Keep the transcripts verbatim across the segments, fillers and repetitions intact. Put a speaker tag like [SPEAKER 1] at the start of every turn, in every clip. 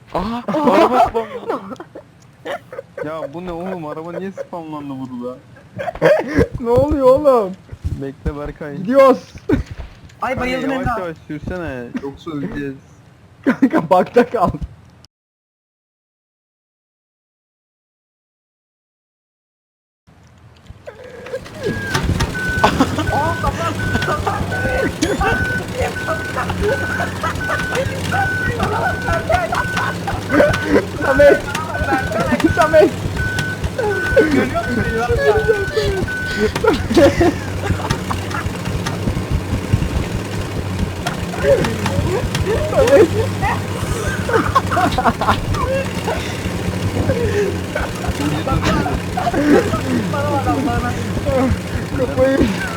[SPEAKER 1] Aha araba spamlandı.
[SPEAKER 2] Ya bu ne oğlum, araba niye spamlandı burada?
[SPEAKER 3] Ne oluyor oğlum?
[SPEAKER 2] Bekle Berkay.
[SPEAKER 3] Gidiyoruz.
[SPEAKER 4] Ay
[SPEAKER 2] Kanka
[SPEAKER 4] bayıldım
[SPEAKER 2] yavaş
[SPEAKER 4] Emrah.
[SPEAKER 2] yavaş sürsene, yoksa öleceğiz.
[SPEAKER 3] Kanka bakta kal. Samet. Samet.
[SPEAKER 4] Görüyor musun beni var ya? Bana bak Allah'ına.
[SPEAKER 3] Kafayı.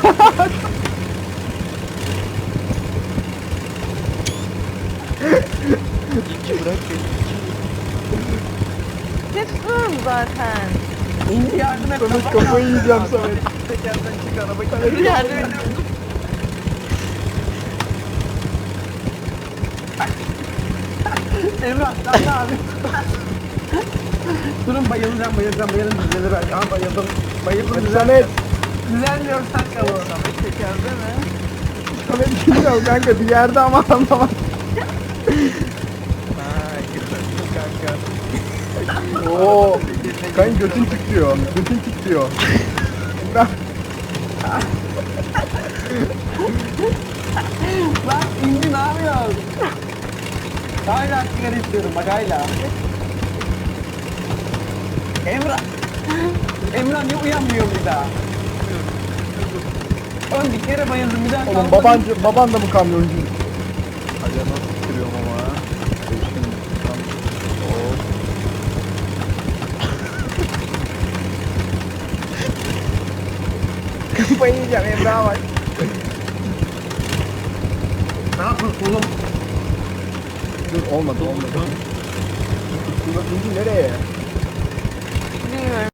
[SPEAKER 1] İki bırak beni.
[SPEAKER 5] Ne tutuyorum zaten.
[SPEAKER 4] İndi yardım et.
[SPEAKER 3] Samet kafayı yiyeceğim Samet.
[SPEAKER 2] Tekerden çık, araba
[SPEAKER 3] Samet
[SPEAKER 5] Yardım ediyorum.
[SPEAKER 4] Emrah sen ne abi? Durun bayılacağım bayılacağım bayılacağım düzelir belki. Aha bayıldım. Bayıldım
[SPEAKER 3] Hadi
[SPEAKER 4] düzel.
[SPEAKER 3] Samet.
[SPEAKER 4] Düzelmiyor sen kalın.
[SPEAKER 2] tekerde mi?
[SPEAKER 3] Samet bilmiyorum kanka bir yerde ama anlamadım.
[SPEAKER 2] Ha gördüm kanka.
[SPEAKER 3] Oo. Kanka götün titriyor. Götün titriyor. Emrah.
[SPEAKER 4] Lan indi ne yapıyorsun? Hala sigara istiyorum bak hala. Emrah. Emrah niye uyanmıyor bir daha? Oğlum bir kere bayıldım bir daha
[SPEAKER 3] Oğlum
[SPEAKER 4] kalktım.
[SPEAKER 3] baban, baban da mı kamyoncu?
[SPEAKER 2] Hadi nasıl sürüyorum ama. Şimdi tam. Oo.
[SPEAKER 3] Kafayı yiyeceğim Emrah'a bak.
[SPEAKER 4] Ne yapıyorsun oğlum?
[SPEAKER 3] Dur olmadı olmadı. Dur, indi nereye?
[SPEAKER 5] Bilmiyorum.